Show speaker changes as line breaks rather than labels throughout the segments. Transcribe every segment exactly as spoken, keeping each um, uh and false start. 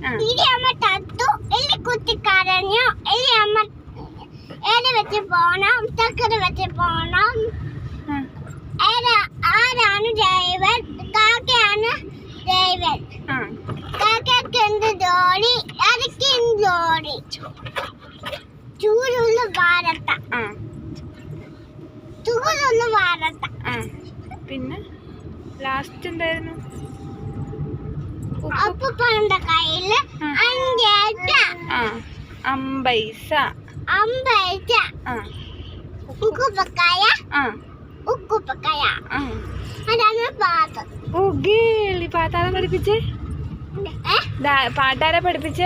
ഇനി അമ്മ തത്തു എല്ലി കുത്തി കരഞ്ഞു. ഇനി അമ്മ ഏത് വെച്ച് പോണം, ചക്കര വെച്ച് പോണം. ആരാണ് ഡ്രൈവർ? കാക്കയാണ് ഡ്രൈവർ. കാക്കക്ക് എന്ത് ജോലി? അരക്ക് ജോലി. ചൂടുള്ള വാരത്ത ചൂടുള്ള വാരത്ത.
പിന്നെ ലാസ്റ്റ് എന്തായിരുന്നു?
അപ്പൂപ്പന്റെ കയ്യില് അഞ്ചേറ്റ
അമ്പൈസ
അമ്പൈസ ഉക്കുപ്പക്കായ ഉക്കുപ്പക്കായ. അതാണ് പാട്ട്.
ഓ ഗേളി, പാട്ടാരെ പഠിപ്പിച്ചേ? പാട്ടാരെ പഠിപ്പിച്ചേ?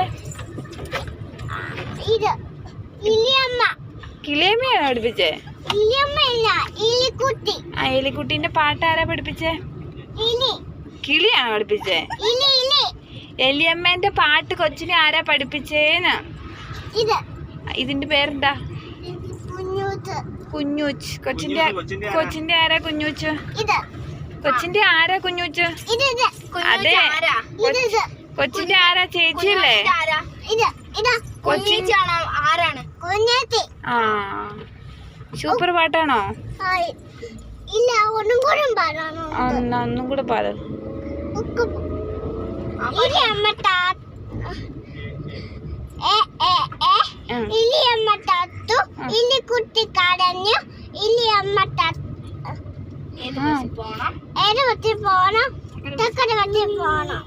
ഇത് ഇലിയമ്മ.
കിളിയമ്മയാണോ പഠിപ്പിച്ചേ?
ഇലിയമ്മ ഇല്ല, ഇലിക്കുട്ടി.
ആ എലിക്കുട്ടീന്റെ പാട്ടാരാ പഠിപ്പിച്ചേ?
ഇലി.
കിളിയാണോ പഠിപ്പിച്ചേ?
ഇലി ഇലി.
എലിയമ്മേന്റെ പാട്ട് കൊച്ചിനെ ആരാ പഠിപ്പിച്ചേന്ന്?
ഇത്.
ഇതിന്റെ പേരെന്താ?
കുഞ്ഞൂച്ച്.
കുഞ്ഞൂച്ച്. കൊച്ചിന്റെ കൊച്ചിന്റെ ആരാ കുഞ്ഞൂച്ച്?
ഇത്.
കൊച്ചിന്റെ ആരാ കുഞ്ഞൂച്ച്?
ഇത് ഇത്.
അതെ,
ഇത് ഇത്.
കൊച്ചിന്റെ ആരാ? ചേച്ചിയല്ലേ?
ഇത് ഇത്.
കൊച്ചിന്റെ
ആരാണ്? കുഞ്ഞേച്ചി.
ആ, സൂപ്പർ പാട്ടാണോ?
ഇല്ല, ഒന്നും കൂടെ പാടാണോ?
ഒന്നും കൂടെ പാട്.
ഇലിയമ്മ ഇലിയമ്മ തത്തു ഇലിക്കുട്ടി കരഞ്ഞു. ഇലിയമ്മ ഏത് വെച്ച് പോണം, ചക്കര വെച്ച് പോണം.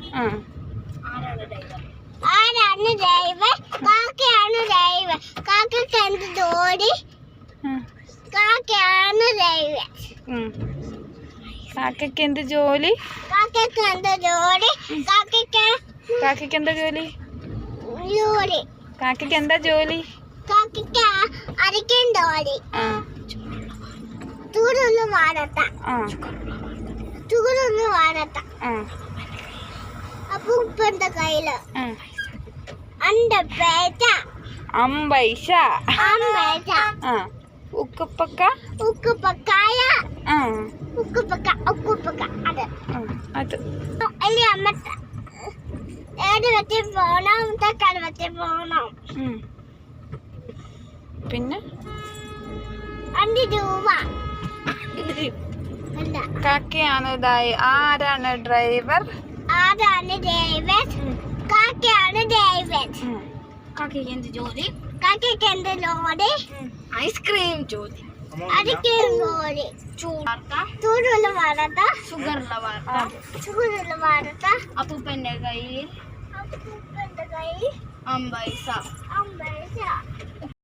ആരാണ് ഡ്രൈവർ? കാക്കയാണ് ഡ്രൈവർ. കാക്കക്ക് എന്ത് ജോലി? കാക്കയാണ് ഡ്രൈവർ.
കാക്കയ്ക്ക് എന്ത് ജോലി?
കാക്കക്ക് എന്ത് ജോലി? കാക്കക്ക്
കാക്കയ്ക്ക് എന്താ ജോലി?
ജോലി.
കാക്കയ്ക്ക് എന്താ ജോലി?
കാക്കക്ക് അരയ്ക്കാൻ ജോലി. ചൂടുള്ള വാരത്ത ചൂടുള്ള വാരത്ത. അപ്പൂപ്പന്റെ കയ്യില് അണ്ടപ്പേറ്റ
അമ്പൈസ
അമ്പൈസ.
ഉക്കുപ്പക്ക
ഉക്കുപ്പക്കായ ഉക്കുപ്പക്ക ഉക്കുപ്പക്ക. അത്
അത്
അല്ലേ അമ്മ ഏത് വെച്ച് പോണം, ചക്കര വെച്ച് പോണം.
പിന്നെ
അഞ്ച് രൂപ.
കാക്കയാണ് ഇതായി. ആരാണ് ഡ്രൈവർ?
ആരാണ് ഡ്രൈവർ? കാക്കയാണ് ഡ്രൈവർ.
കാക്കയ്ക്ക് എന്ത് ജോലി?
കാക്കയ്ക്ക് എന്ത് ജോലി?
ഐസ്ക്രീം ജോലി.
അരയ്ക്ക് ജോലി. ചൂടുള്ള വാർത്ത
ഷുഗറുള്ള വാർത്ത
ചൂടുള്ള വാർത്ത.
അപ്പൂപ്പന്റെ കയ്യിൽ
അപ്പൂപ്പന്റെ കയ്യിൽ
അമ്പൈസ
അമ്പൈസ.